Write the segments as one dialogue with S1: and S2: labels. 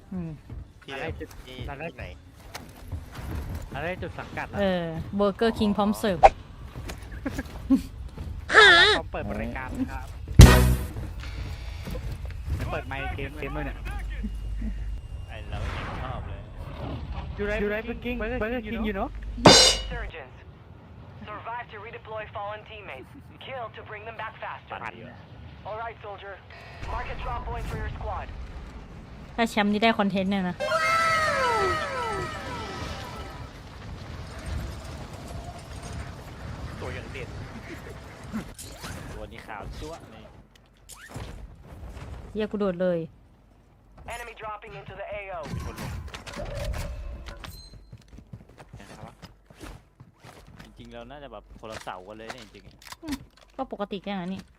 S1: ที่ไหนที่ไหน
S2: อะไรจุดสังกัด
S3: เบอร์เกอร์คิงพร้อมเสิร์ฟ
S2: พร้อมเปิดบริการครับเปิดไมค์เกมเลยเนี่ย
S1: ไอเราไม่ชอบเลย
S2: You right Burger King you know
S4: Surgeons survive to redeploy fallen teammates kill to bring them back faster All right soldier mark a drop point for your squad
S3: ถ้าแชมป์นี่ได้คอนเทนต์เนี่ยนะ
S1: ตัวอย่างเด็ดตัวนี้ขาวจั๊วนี่
S3: เยี่ยกูโดดเลย
S4: Enemy dropping into the AO
S1: จริงๆเราน่าจะแบบคนละเสากันเลยเนี่ยจริง
S3: ๆก็ปกติแค่นั้นนี่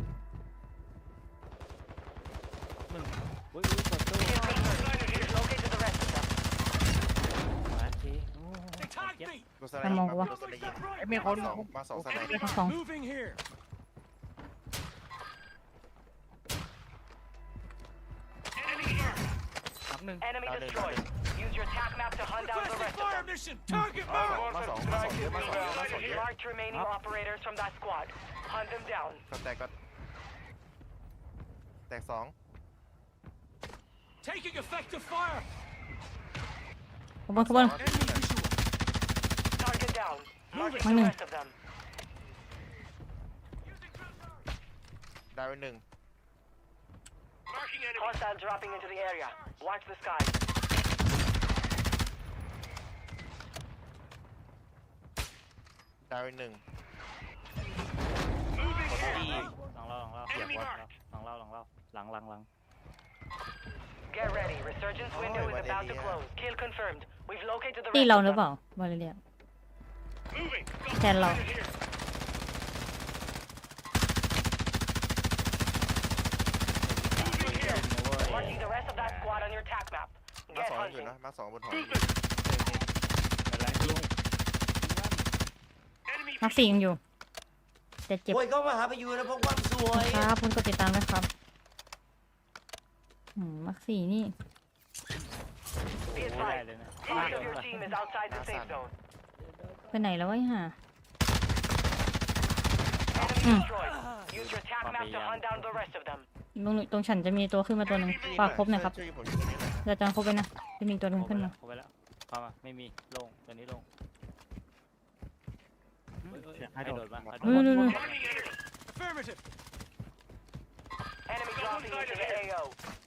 S3: ทำมองวะ
S2: มีคน
S1: มาสองสไนด์
S3: สอง
S4: Enemy destroyed. Use your attack map to hunt down the rest of them.
S5: Target
S4: Marked remaining operators from that squad. Hunt them down.
S1: แตกสอง
S5: Taking effective fire.
S3: ขบวน
S4: Target down. Marking the rest of them.
S1: ได้ไปหนึ่ง
S4: Hostile dropping into the area. Watch the sky.
S1: ได้ไปหนึ่งหลังเราเสียบหลังเรา
S4: Get ready. Resurgence window is about to close. Kill confirmed. We've located the
S3: ตี
S4: rest
S3: เรา
S4: of
S3: หรือเป
S4: them.
S3: ล่าวาเลเรียแทนเรา
S4: Marking the rest of that squad on your attack map.
S1: มา
S4: Get
S1: สองอยู่
S4: hunting.
S1: นะมาสองบนหอ
S3: มักสี่ยังอยู่แต่เจ็บ
S6: โวยก็มาหาไปอยู่นะพวกความสวย
S3: ครับคุณกดติดตามด้วยครับมักสี่นี่
S4: Be advised. Most of your team is outside the safe zone.
S3: ไปไหนแล้ววะห่า
S4: Enemy destroyed. Use your attack map to hunt down the rest of them.
S3: ตรงฉันจะมีตัวขึ้นมาตัวหนึ่งฝากครบหน่อยครับ
S1: ช่วยผมอยู่ตรงนี้หน่อย
S3: จะจานครบไปนะจะมีตัวหนึ่งขึ้นมา
S1: ครบไปแล้วเข้ามาไม่มีลงตัวนี้ลงให้โดดมา
S5: Affirmative.
S4: Enemy dropping into the AO.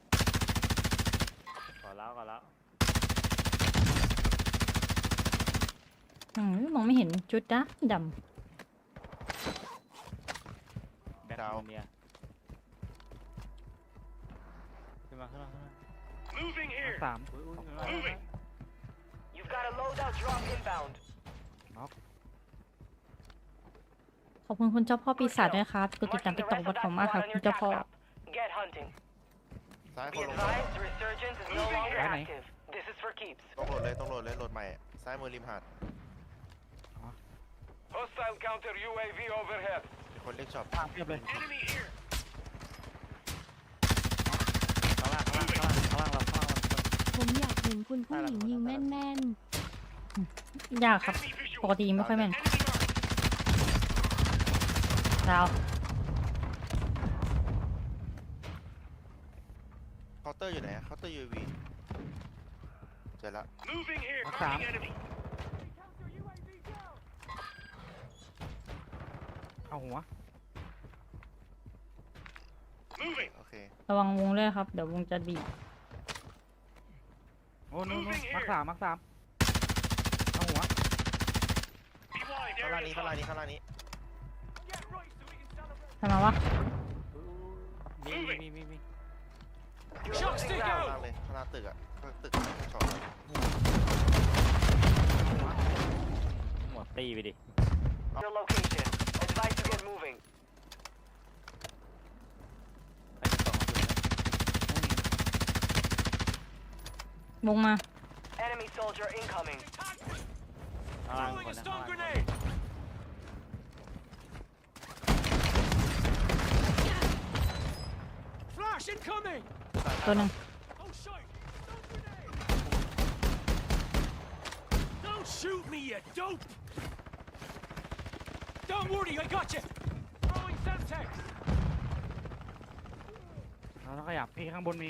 S1: ก่อนแล้ว
S3: มองไม่เห็นจุดดำ
S1: แบ็คเนี่ยขึ้นมา
S5: Moving here.
S2: 3
S4: You've got a loadout drop inbound.
S3: ขอบคุณคุณเจ้าพ่อปีศาจด้วยครับกดติดตามติ๊กต็อกบทผมมากครับคุณเจ้าพ่อ
S4: Get hunting.
S1: ซ้ายค
S4: Be
S1: นลง
S4: advised, resurgence is no longer active. This is for keeps.
S1: ต้องโหลดเลยโหลดใหม่ซ้ายมือริมหาด
S5: Hostile counter UAV overhead.
S1: คนเล็กช็อป
S2: เรียบเลย
S5: Enemy here.
S1: ข้างล่างเรา
S7: ผมอยากเห็นคุณผู้หญิงยิงแม่น
S3: ยากครับปกติไม่ค่อยแม่นดาว
S1: เคาน์เตอร์อยู่ไหนเคาน์เตอร์ UAV เจอละ
S5: Moving here.
S2: Sam.
S5: Enemy.
S2: เอาหัว
S5: Moving.
S1: โอเค
S3: ระวังวงด้วยครับเดี๋ยววงจะบีบ
S2: โอ้นู่นมักสามเอาหัว
S5: Be wide.
S1: ข้างล่าง
S5: Area
S1: นี้
S5: is
S1: ข้างล่าง
S5: hot.
S1: นี้ข้างล่างนี้
S5: Get right so we can celebrate.
S3: ทำไมวะ
S1: มี
S4: You're
S5: Shot
S4: losing
S5: stick
S1: ข้าง
S4: ground.
S1: ล่างเลยข้างล่างตึกอะตึกช็อปหัวตีไปดิ
S4: Your location. Advise to get moving.
S3: วงมา
S4: Enemy soldier incoming.
S5: Throwing a stun grenade. Flash incoming.
S3: ตัวหนึ่ง
S5: Oh shit. Don't shoot me, you dope! Don't worry, I got you! Throwing Semtex!
S2: เราต้องขยับพี่ข้างบนมี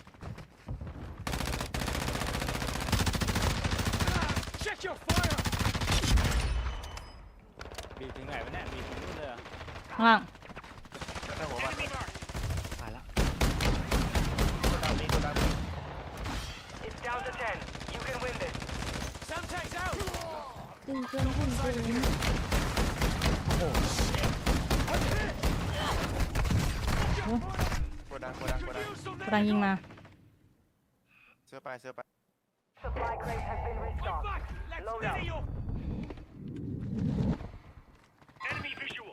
S5: Check your fire!
S8: บีบถึงไหนวะเนี่ยบีบถึงนู่นเลยเหรอ
S3: ข้างล่าง
S1: ข้างหัวมัน
S5: Enemy mark!
S2: ตายแล้ว
S1: ตัวดาวนี้ตัวดาวนี้
S4: It's down to 10. You can win this.
S5: Semtex out!
S7: ตึงเกินหุ่นเกิน
S1: ตัวดังตัวดังตัวดัง
S5: Use some
S3: กำลังยิงมา
S1: เสื้อไปเสื้อไป
S4: Supply crate has been
S5: Fight
S4: restocked.
S5: back! Let's
S4: Load
S5: steady
S4: up.
S5: up! Enemy visual!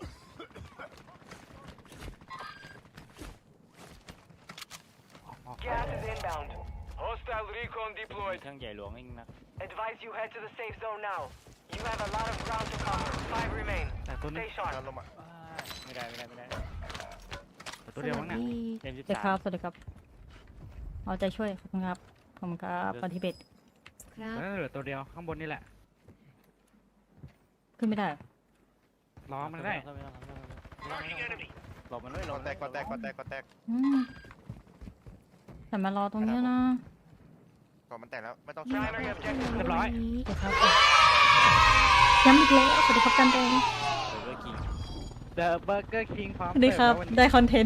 S4: Gas is inbound. Hostile recon
S8: มี
S4: deployed.
S8: เครื่องใหญ่หลวงนี่นะ
S4: Advise you head to the safe zone now. You have a lot of ground to cover. 5 remain.
S2: แต่ตัวนี้
S4: Stay sharp.
S1: ทำลงมา
S8: ไม่ได้ไม่ได้ไม่ได้
S2: แต่ตัวเดียวมั้งเนี่ย
S8: เต็ม
S3: สวัสดีครับ สวัสดีครับ เอาใจช่วย ขอบคุณครับ ขอบคุณครับปฏิเบต
S7: ครับ
S2: แล้วเหลือตัวเดียวข้างบนนี่แหละ
S3: ขึ้นไม่ได้
S2: ล้อมันได้
S5: Marking enemy!
S8: หลบมันไว้หล
S1: ก่อบ น
S8: มัน
S1: แต
S8: ไว้
S1: กก่อนแตกก่อนแตกก่อนแตก
S3: อืมแต่มารอตรงเนี้ยนะ
S1: ก่อนมันแตกแล้วไม่ต้อง
S4: Primary objective
S2: เรียบร้อย
S7: นี้
S3: สวัสดีครับย้ำอีกแล้วสวัสดีครับจันแดง
S8: เบอร์กิง
S2: The Burger King พร้อม
S3: สวัสดีครับ
S2: เสิฟแล้ววันนี้
S3: ได้คอนเทนต์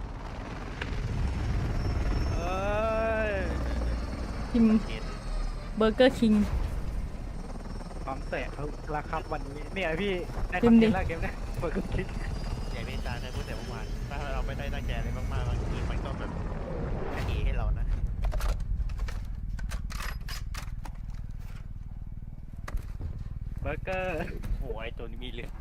S2: เอ้ย
S3: พิมพ์เบอร์เกอร์คิง
S2: พร้อมเสิร์ฟแล้วครับวันนี้เนี่ยพี่ได้คคอ
S3: พิ
S2: น
S3: มพ์
S2: เท
S3: ดิ
S2: นต์แล้วเกมเนี้ย Burger King
S1: อย่างที่อาจารย์เคยพูดแต่เมื่อวานถ้าเราไม่ได้ตั้งใจอะไรมากๆบางทีมันก็แบบแค่นี้ให้เรานะ
S2: เบอร์เกอร์
S8: โอ้ยไอ้ตัวนี้มีเหลือง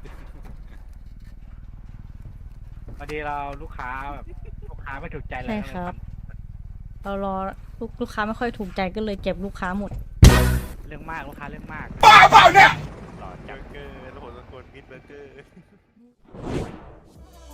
S2: พอดีเราลูกค้าแบบลูกค้าไม่ถูกใจเลย
S3: ใช่ครับ เรารอลูกค้าไม่ค่อยถูกใจก็เลยเก็บลูกค้าหมด
S2: เรื่องมากลูกค้าเรื่องมาก
S8: หล่อ
S1: เบ
S8: จั
S1: อง ร์เกอร์แล้วผมตะโกนมิดเบอร์เกอร์